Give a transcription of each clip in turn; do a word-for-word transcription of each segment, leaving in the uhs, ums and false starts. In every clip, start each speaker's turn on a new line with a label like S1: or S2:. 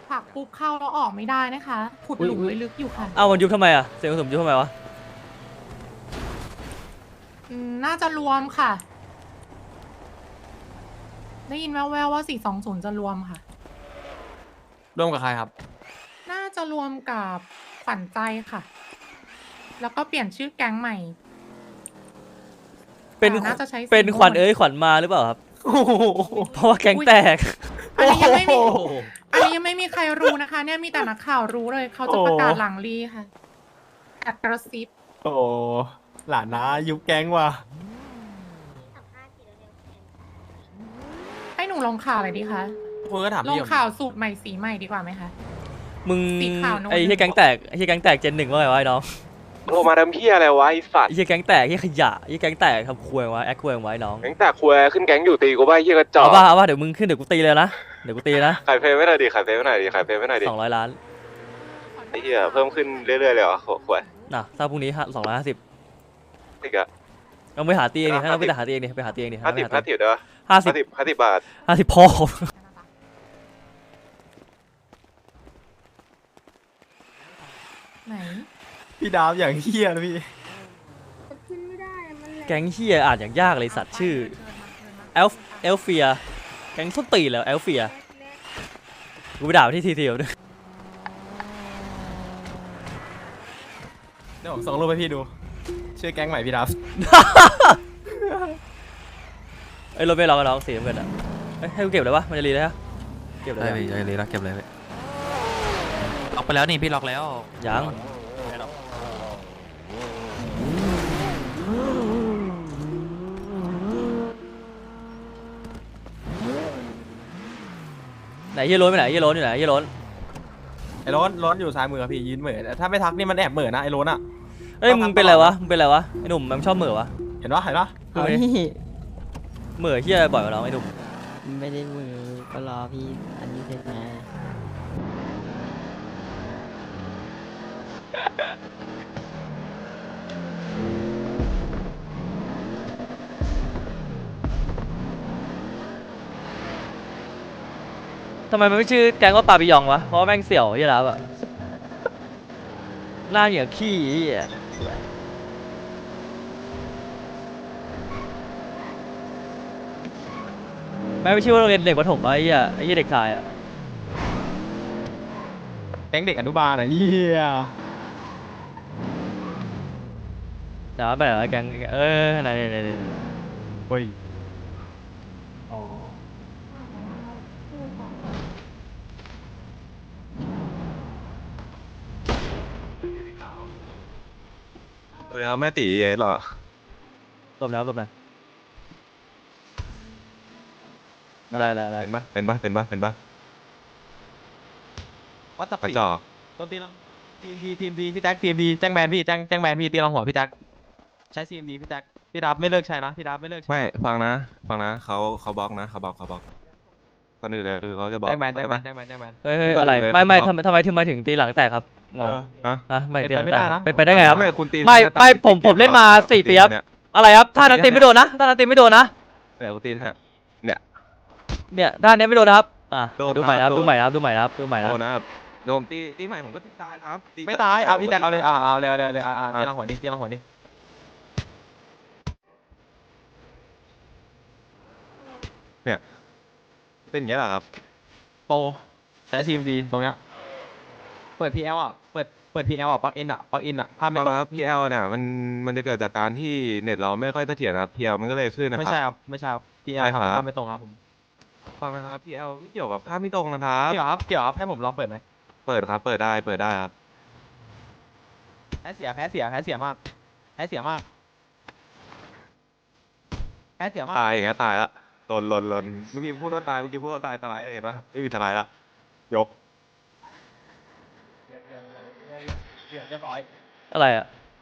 S1: ผลักปุ๊บเข้าแล้วออกไม่ได้นะคะขุดหลุมไว้ลึกอยู่ค่ะ
S2: อ้าวมันยุบทำไมอ่ะเสียงกระสุนยุบทำไมวะ
S1: อืมน่าจะรวมค่ะ ได้ยินแว่วๆว่าสี่สองศูนย์จะรวมค่ะ
S3: ร่วมกับใครครับ
S1: น่าจะรวมกับขวัญใจค่ะ แล้วก็เปลี่ยนชื่อแก๊งใหม่
S2: เป็น
S1: น่าจะใช้
S2: เป็นขวัญเอ้ยขวัญมาหรือเปล่าครับเพราะว่าแก๊งแตก
S1: อันนี้ยังไม่มีอันนี้ยังไม่มีใครรู้นะคะ เนี่ยมีแต่นักข่าวรู้เลยเขาจะประกาศหลังรีค่ะแอบกระซิบ
S3: โอ้หลานนะยุบแก๊งว่ะ
S1: ให้หนูลงข่าวอะไรดีคะ
S3: คุณก็ถาม
S1: ลง
S3: พี่ผม
S1: ข่าวสูตรใหม่สีใหม่ดีกว่าไหมคะ
S2: มึง
S1: สีขาวโน้ต
S2: ไอ้เฮียแก๊งแตกไอ้เฮียแก๊งแตกเจนหนึ่งว่าไงวะไอ้น้อง
S4: โทรมาทำเพี้ยอะไรวะไอ้สัต
S2: ไอ้
S4: ว์
S2: เฮียแก๊งแตกไอ้เฮียขยะไอ้เฮียแก๊งแตกทำควยไว้แอคควยไว้น้อง
S4: แก๊งแต่ควยขึ้นแก๊งอยู่ตีกูบ้าไอ้เหี้ยกระจอ
S2: เอา
S4: ก
S2: ป่ะเอาป่ะเดี๋ยวมึงขึ้นเดี๋ยวกูตีเลยนะเดี๋ยวกูตีนะ
S4: ขายเพลงไม่หน่อยดิขายเพลงไม่หน่อยดิขายเพลงไม่หน่อยดิ
S2: สองร้อยล้าน
S4: ไอ้เหี้ยเพิ่มขึ้นเรื่อยๆเลยเหรอโหขวย
S2: น่ะถ้าพรุ่งนี้สองร้อยห้าสิบ
S4: อีกอะ
S2: เอาไปหาตีเองดิถ้าเราไปหาตีเองดิไปหาตีเองดิ
S4: ห้าสิบห้าสิบเด้อ
S2: ห้าสิ
S4: ห้า
S2: บ
S4: สิบห้าสิบบาท
S2: ห้าสิบพ่อ
S1: ไหน
S3: พี่ดาวอย่างเฮี้ยนะพี่
S5: ขึ้นไม่ได้อะมันแหลก
S2: แก๊งเฮียอ่านอย่างยากเลยสัตว์ชื่อเอลเอลเฟียแก๊งส้นตีนแล้วเอลเฟียกูไปด่าที่ทีเดียวด้วย
S3: เดี๋ยวผมส่งรูปให้พี่ดู ชื่อแก๊งใหม่พี่ดาว
S2: ไอ้ยรถไม่ล็อกกันน้องสีน้ำเงินอ่ะเอ้ยให้กูเก็บเลยปะมันจะรีเลยฮะเก็บเลย
S6: ได้
S2: อะ
S6: พี่ได้เลยนะเก็บเลยพี่ล็อกไปแล้วนี่พี่ล็อกแล้ว
S2: ยังไหนเฮียโรนไปไหนเฮียโรนอยู่ไหนเฮียโรน
S3: ไอ้โรนโรนอยู่ซ้ายมือครับพี่ยืนเหม่อถ้าไม่ทักนี่มันแอบเหม่อนะไอ้โรนอะ
S2: เอ้ยมึงเป็นอะไรวะมึงเป็นอะไรวะไอ้หนุ่มมันชอบเหม่อวะ
S3: เห็นปะเห็นปะ
S2: คือไม่เหม่อเฮียบ่อยกว่าน้องไอ้หนุ่ม
S7: ไม่ได้มือก็รอพี่อันนี้เสร็จมา
S2: ทำไมมันไม่ชื่อแก๊งว่าปาปิยองวะเพราะว่าแม่งเสี่ยวเฮียแล้วอะหน้าเหนียวขี้เฮียแม่งไม่ชื่อว่าโรงเรียนเด็กประถมวะไอ้เฮียไอ้เฮียเด็กชายอะ
S3: แก๊งเด็กอนุบาลอะเฮี้ย
S2: เดี๋ยวไปเหรอแก๊งเออไหนไหนไหนไหน
S3: เฮ้ย
S4: เออแม่ตีเอ๋เหรอ
S2: หลบแล้วหลบแล้วอะไรอะไรอะไร
S4: เป็นปะเป็นปะเป็นปะเป็นปะ
S3: วัดตับ
S4: กระ
S3: ปี
S4: จอก
S3: ต้นตีลังทีมทีทีมดีพี่แจ็คทีมดีแจ้งแบนพี่แจ้งแจ้งแบนพี่ตีลังหัวพี่แจ็คใช้ทีมดีพี่แจ็คพี่ดับไม่เลิกใช้นะพี่ดับไม่เลิกใช้
S4: ไม่ฟังนะฟังนะเขาเขาบล็อกนะเขาบล็อกเขาบล็อกก่อนอื่นเลยคือเขาจะบล็อก
S3: แจ้งแบนแจ้งแบน
S4: ใช่
S3: แจ้งแบนแจ้งแบน
S2: เฮ้ยเฮ้ยอะไรไม่ไม่ทำไมทำไมถึงมาถึงตีหลังแตกครับง
S4: ปะ
S2: ง
S4: เออฮะ
S2: ฮะไม่ตีหลัง
S3: เป็นไป
S2: แต
S3: ไม่ได้
S2: ก
S3: นะ
S2: เป็นไปได้ไงครับ
S4: ไม่คุณตี
S2: ไม่ไม่ผมผมเล่นมาสี่ปีครับ
S4: เนี่ย
S2: อะไรครับท่านั้นตีไม่โดนนะท่านั้นตีไม่โดนนะ
S4: เนี่ยคุณตีฮะเนี่ย
S2: เนี่ยท่านี้ไม่โดนนะครับอ่ะ
S4: โดน
S2: ดูใหม่นะครับ
S4: โดน
S2: ดูใหม่นะครับดูใหม่นะครับดูใหม่นะ
S4: โดนนะครับโดนตีตีใหม่ผมก็ตีตายครับตี
S3: ไม่ตายเอาพี่แจ็คเอาเลยอ่าเอาเลยเอาเลยเอาเลยอ่าอ่าตีลังหัวดิตีลังหัวดิ
S4: เป็นอย่างเงี้ยเหรอครับ
S3: โปรใช้ทีมดีตรงเนี้ยเปิด พี แอล อ่ะเปิดเปิด พี แอล อ่ะปลั๊กอินอ่ะปลั๊กอินอ่ะภาพไม่
S4: ไม่ครับพีเอลเนี่ยมันมันจะเกิดจากการที่เน็ตเราไม่ค่อยเสถียรนะครับพีเอลมันก็เลยขึ้นนะค
S3: ไม่
S4: รับ
S3: ใช่ครับไม่ใช่ครับ พี แอล
S4: ใช่ครับ
S3: ภาพไม่ตรงครับผม
S4: ฟังนะครับพีเอลไม่เกี่ยวกับภาพไม่ตรงนะครับ
S3: เกี่ยวครับเกี่ยวครับให้ผมลองเปิดไหม
S4: เปิดครับเปิดได้เปิดได้ครับ
S3: แพ้เสียแพ้เสียแพ้เสียมากแพ้เสียมากแพ้เสียมาก
S4: ตายอย่างเงี้ยตายละหล่นหล่นหล่นเมื่อกี้พูดว่าตายเมื่อกี้พูดว่าตายตายเห็นปะไม่มีทลายละยก
S3: เรียบร้อย
S2: อะไรอ่ะ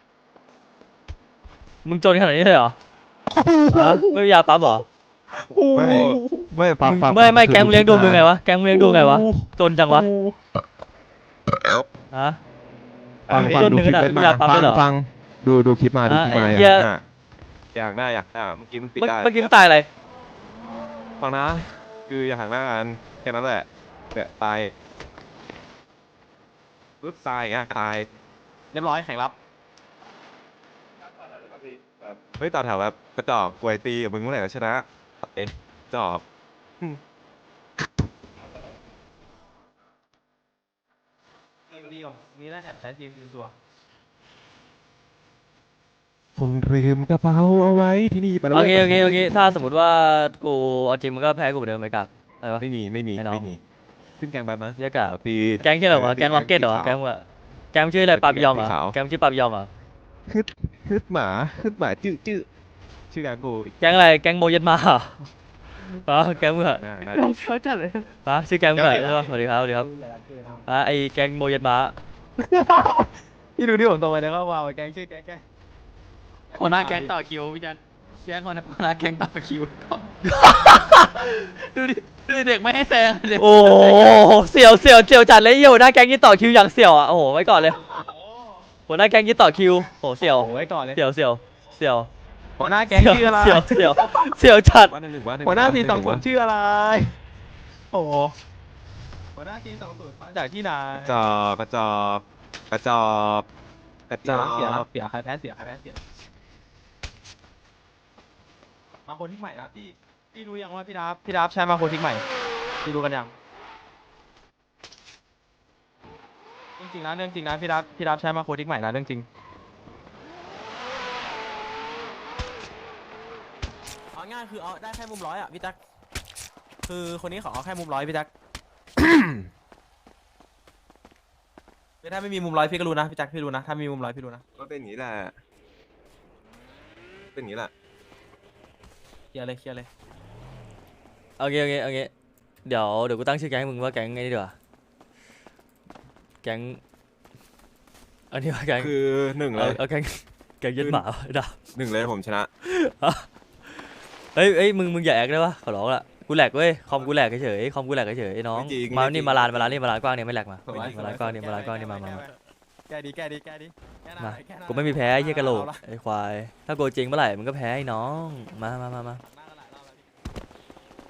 S2: มึงจนขนาดนี้เลยเหรอฮะไม่มียาปั๊มเหรอ
S4: ไม่ไม่ฟังฟัง
S2: ไม่ไม่แก๊งมึงเลี้ยงดูมึงไงวะแก๊งมึงเลี้ยงดูไงวะจนจังวะฮะ
S4: ฟังฟัง
S2: จน
S4: ดู
S2: ถึง
S4: คลิป
S2: ขนาด
S4: เป็น
S2: มียาปั๊มด้วยเหรอ
S4: ฟังดูดูคลิปมาดูคลิปมา
S2: อ่ะ
S4: อ
S2: เหี้
S4: ยาย กได้อยากได้อยากได้เมื่อกี้มันปิด
S2: เมื่อ
S4: ได้
S2: เมื่อกี้มึงตายอะไร
S4: ฟังนะคืออยากหักหน้ากันแค่นั้นแหละเนี่ยตายปึ๊บตายอ่ะตาย
S3: เรียบร้อยแข่งรับ
S4: เฮ้ยต่อแถวแบบกระจอกกวยตีกับมึงเมื่อไหร่ก็ชนะเอ็นจอบ
S3: ดีก่อนนี่น่าจะใช้ทีมทีมตัว
S4: ผมลืมกระเป๋าเอาไว้ที่นี่ไปแล้ว
S2: โอเคโอเคโอเคถ้าสมมติว่ากูเอาจริงมันก็แพ้กูเหมือนเดิมไปกับอะไรวะ
S4: ไม่มีไม่มี
S2: ไม่น้อง
S4: ไม่มีขึ้นแกงแบบนั้น
S2: เรียกกับ
S4: ตี
S2: แก๊งชื่ออะไรวะแก๊งล็อกเก็ตเหรอแก๊งว่าแก๊งชื่ออะไรปาปิยองเหรอ
S4: สีขาว
S2: แก๊งชื่อปาปิยองเหรอ
S4: ฮึดฮึดหมาฮึดหมาจื้อจื้อชื่อแกงกู
S2: แก๊งอะไรแก๊งโมเยนมาเหรอปะแก๊งมึงเหรอ
S4: น่าน่า
S1: เขาจัดเลย
S2: ปะชื่อแก๊งมึงเหรอใช่ปะสวัสดีครับสวัสดีครับปะไอแก๊งโมเยนมา
S3: พี่ดูที่ผมตรงไปแล้วก็ว้าวแกงชื่อแกงแกง
S6: หัวหน้าแก๊งต่อคิวพี่จันแก๊งหัวหน้าหัวหน้าแก๊งต่อคิวดูดิดูดิเด็กไม่ให้แซงเด็ก
S2: โอ้โหเสี่ยวเสี่ยวเสี่ยวจัดเลยเหี้ยหัวหน้าแก๊งยี่ต่อคิวอย่างเสี่ยวอ่ะโอ้โหไว้ก่อนเลยหัวหน้าแก๊งยี่ต่อคิวโอ้โหเสี่ยว
S3: โอ้ไว้ก่อนเลย
S2: เสี่ยวเสี่ยวเสี่ยว
S3: หัวหน้าแก๊งชื่ออะไร
S2: เสี่ยวเสี่ยวเสี่ยวจัด
S4: วันหนึ่งหนึ่งวันหนึ่ง
S3: หัวหน้าทีมสอง
S4: วั
S3: ศูนย์ชื่ออะไร โอ้โหหัวหน้าทีมสองศูนย์มาจากที่ไหน
S4: กระจอกกระจอกกระจอกกระจ
S3: เสีย
S4: อก
S3: เสียเสียใครแพ้เสียใครแพ้เสียมาคนที่ใหม่นะพี่พี่รู้ยังว่าพี่ดับพี่ดับใช้มาคนที่ใหม่พี่รู้กันยังจริงๆนะเรื่องจริงนะพี่ดับพี่ดับใช้มาโคทิกใหม่นะเรื่องจริง
S8: เอาง่ายคือเอาได้แค่มุมร้อยอ่ะพี่แจ็คคือคนนี้เขาเอาแค่มุมร้อยพี่แจ็ค คือถ้าไม่มีมุมร้อยพี่ก็รู้นะพี่แจ็คพี่รู้นะถ้ามีมุมร้อยพี่รู้นะ
S4: ก็เป็นอย่างนี้แหละเป็นอย่างนี้แหละ
S8: เคลียร์เลยเคลียร์เลย
S2: โอเคโอเคโอเคเดี๋ยวเดี๋ยวกูตั้งชื่อแก๊งให้มึงว่าแก๊งไงนี่ดีกว่าแก๊งอันนี้ว่าแก๊ง
S4: คือหนึ่งเล
S2: เอา
S4: ย
S2: เอาแก๊งแก๊งยึดหมาดา
S4: หนึ่งเลยผมชนะ
S2: เฮ้ยเฮ้ยมึงมึงอย่าแอคได้ปะขอร้องละกูแหลกเว้ยคอมกูแหลกเฉยๆคอมกูแหลกเฉยๆไอ้น้อง
S4: ไม่จริง
S2: มา
S4: ไม่จริ
S2: นี่
S4: ง
S2: มาลานมาลานนี่มาลานกว้างเนี่ยไม่แหลกมา
S3: สวย
S2: มาลานกว้างเนี่ยมาลานกว้างเนี่ยมามามา
S3: แกดีแกดีแกดีแกหน่
S2: มา
S3: อยแกหน่อย
S2: กูไม่มีแพ้ไอ้เหี้ยกะโหลก
S3: เอาละ
S2: ไอ้ควายถ้าโกจริงเมื่อไหร่มึงก็แพ้ไอ้น้องมามามามา
S3: หน้ากันหลายรอบแล้วพี่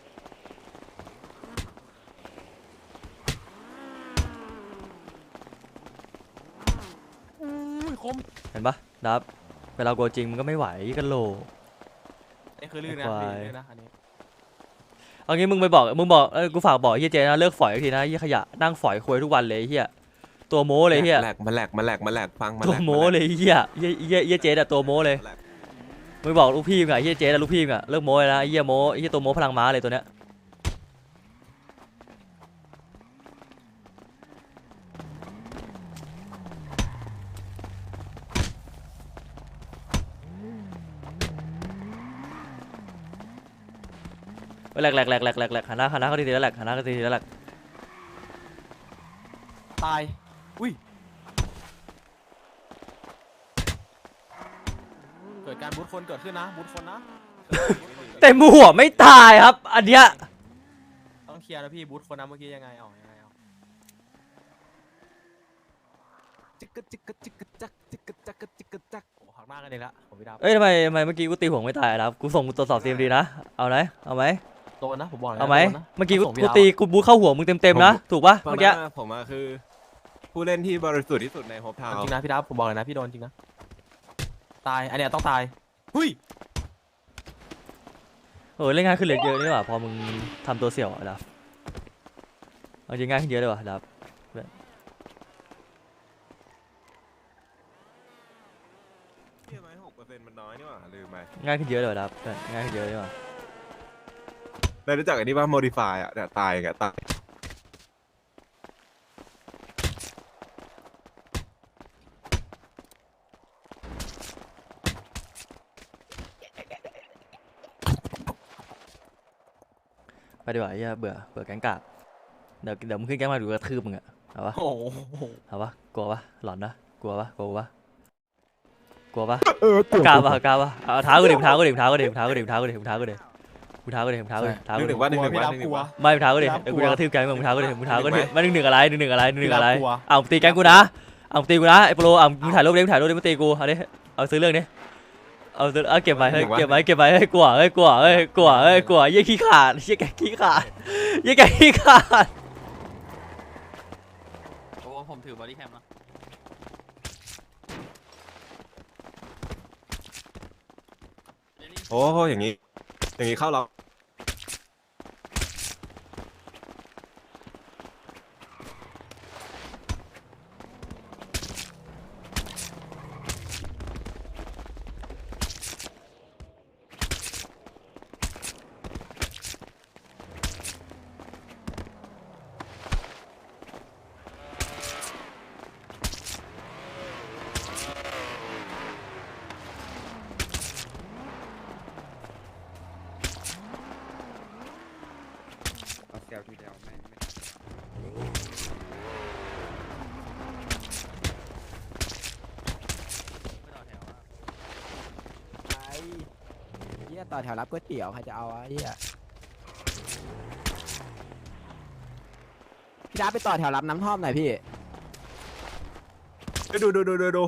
S8: อุ้ยคม
S2: เห็นปะดับเวลาโกจริงมึงก็ไม่ไหวไอ้กะโหลก
S8: นี่คือลื่นนะ
S2: ควาย
S8: ลื่นนะอันนี้
S2: เอางี้มึงไปบอกมึงบอกเออกูฝากบอกไอ้เฮียเจนะเลิกฝอยอีกทีนะไอ้เฮียขยะนั่งฝอยคุยทุกวันเลยไอ้เฮียตัวโม้เลยไอ้เฮีย
S4: แหลกมาแหลกมาแหลกมาแหลกฟังมา
S2: ตัวโม้เลยไอ้เฮียเฮียเฮียเฮียเจอะตัวโม้เลย
S4: แหลก
S2: มึงบอกลูกพี่มึงอะไอ้เฮียเจอะลูกพี่มึงอะเลิกโม้เลยนะไอ้เฮียโม้ไอ้เฮียตัวโม้พลังม้าเลยตัวเนี้ยแหลกแหลกแหลกแหลกแหลกแหลกหันหน้าหันหน้าเข้าทีๆแล้วแหลกหันหน้าเข้าทีๆแล้วแหลก
S8: ตายอุ้ยเกิดการบูทคนเกิดขึ้นนะบูทคนนะ
S2: เต็มหัวไม่ตายครับอันเนี้ย
S8: ต้องเคลียร์นะพี่บูทคนนะเมื่อกี้ยังไงเอายังไงเอาจิกกะจิกกะจิกกะจักจิกกะจักกะจิกกะจักโอ้หักหน้ากันเองละผมพี่ดาว
S2: เอ้ยทำไมทำไมเมื่อกี้กูตีหัวไม่ตายนะครับกูส่งกูตรวจสอบซีเอ็มดีนะเอาไหมเอาไหม
S8: โดนนะผมบอกเลยนะ
S2: เอาไหม
S8: โดนนะ
S2: เมื่อกี้กู
S8: ส่งพี่
S2: กู
S8: ดาว
S2: ตีกูบูทเข้าหัวมึงเต็มๆนะถูกปะ
S4: ฟัง
S2: เมื่อกี้
S4: นะผมอะคือ ผู้เล่นที่บริสุทธิ์ที่สุดในโฮปทาว
S8: จริงนะพี่ดาวผมบอกเลยนะพี่โดนจริงนะตายอันเนี้ยต้องตายหุ้ย
S2: เออเล่นง่ายขึ้นเหลือเยอะนี่หว่าพอมึงทำตัวเสี่ยวอะดับเอาจริงง่ายขึ้นเยอะเลยว่ะดับ
S4: เชื่อไหมหกเปอร์เซ็นต์มันน้อยนี่หว่าลืมไป
S2: ง่ายขึ้นเยอะเลยว่ะดับง่ายขึ้นเยอะเลยว่ะ
S4: ได้รู้จักอันนี้ว่า modify อ่ะเนี่ยตายไงตาย
S2: ไปดีกว่าไอ้เหี้ยเบื่อเบื่อแก๊งกาบเดี๋ยวเดี๋ยวมึงขึ้นแก๊งมาดูกระทืบมึงอะเอาปะ
S8: โอ้โห
S2: เอาปะกลัวปะหลอนนะกลัวปะกลัวปะกลัวปะ
S4: เออก
S2: ล้าปะกล้าปะเอาเท้ากูดิเท้ากูดิเท้ากูดิเท้ากูดิเท้ากูดิเท้ากูดิกูเท้ากูดิเท้ากูดิเท้า
S4: ห
S2: กู
S4: นึ่งห
S2: ดิ
S4: นึ่งว่าหนึ่งหนึ่ง
S3: พี่
S4: ว่า
S3: ดับ
S4: หนึ่งห
S3: ก
S4: นึ่
S3: ลั
S4: ง
S3: ว
S4: ว่า
S2: ไม่เท้ากูดิ
S3: พี่รับ
S2: เดี๋ยวกู
S3: กลัว
S2: จะกระทืบแก๊งมึงเท้ากูดิมึงเท้ากูดิ
S4: หนึ่งไหม
S2: มาหนึ่งหนึ่งอะไรหนึ่งหนึ่งอะไรหนึ่งหนึ่งอะไร
S3: พี่รับกลัว
S2: เอาตีแก๊งกูนะเอาตีกูนะไอ้โปรเอามึงถ่ายรูปดิมึงถ่ายรูปดิมึงตีกูเอาดิเอาซื้อเรื่องดิเอาซื้อเอาเก็บไว้เฮ้ยเก็บไว้เก็บไว้เฮ้ยกลัวเฮ้ยกลัวเฮ้ยกลัวเฮ้ยกลัวยี่ขี้ขาดยี่แกขี้ขาดยี่แกขี้ขาด
S6: โอ้ผมถือบอดี้แคมเนาะ
S4: โอ้อย่างนี้ อย่างนี้เข้าเรา
S9: เอาเซลทีเดียวไม่ไม่
S8: ไอ้เหี้ยต่อแถวรับก๋วยเตี๋ยวใครจะเอาอะเหี้ยพี่ดาไปต่อแถวรับน้ำท่อมหน่อยพี่
S4: ไปดูดูดูดูดู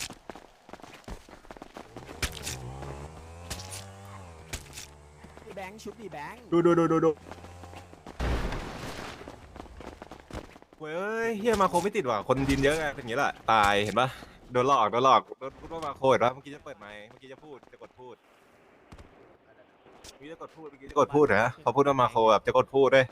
S8: แบงค์ชุบดิแบงค์
S4: ดูดูดูดูดูเว้ยเฮียมาโคไม่ติดว่ะคนดินเยอะไงเป็นอย่างนี้แหละตายเห็นปะโดนหลอกโดนหลอกโดนพูดว่ามาโคเห็นปะเมื่อกี้จะเปิดไมค์เมื่อกี้จะพูดจะกดพูดเมื่อกี้จะกดพูดเมื่อกี้จะกดพูดนะพอพูดว่ามาโคแบบจะกดพูดด้วย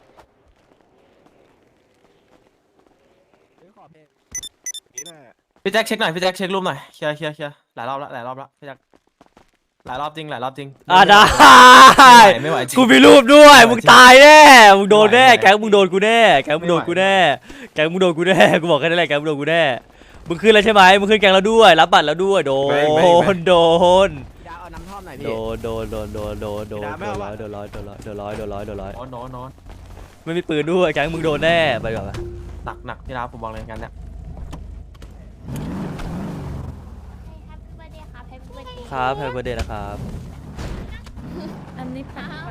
S4: นี่แหละ
S3: พี่แจ็คเช็คหน่อยพี่แจ็คเช็ครูปหน่อยเคลียร์เคลียร์เคลียร์หลายรอบแล้วหลายรอบแล้วพี่แจ็คหลายรอบจริงหลายรอบจริง
S2: อ่ะได้
S3: ไม่ไหวจริง
S2: กูมีรูปด้วย
S3: ไม่ไหว
S2: มึงตายแน่มึงโดนแน่
S3: ไม่ไหว
S2: แก๊งมึงโดนกูแน่แก๊งมึงโดนกู
S3: ไม่ไหว
S2: แน่แก๊งมึงโดนกูแน่กูบอกแค่นั้นแหละแก๊งมึงโดนกูแน่มึงขึ้นแล้วใช่ไหมมึงขึ้นแก๊งแล้วด้วยรับบัตรแล้วด้วยโด
S4: ไม่ไม่ไม่
S2: นโดน
S8: พี่ดาเอาน้ำท่อมหน่อย
S2: โด
S8: พี่
S2: นโดนโดนโดนโดนโดน
S3: ไม่ได้ไม่เอา
S2: โดนร้อยโดนร้อยโดนร้อยโดนร้อยโดนร้อยโดนร้อย
S3: โน้นโน้นโน้น
S2: ไม่มีปืนด้วยแก๊งมึงโดนแน่ไปก่อนไป
S3: หนักหนักพี่ดาผมบอกเลยกันเนี่ย
S5: แฮปปี้เบิร์ดเดย์ครับแฮปปี้เบิร์ดเดย์
S2: ครับแฮปปี้เบิร์ดเดย์นะครับ
S1: อันนี้ค่ะ
S5: อ้าว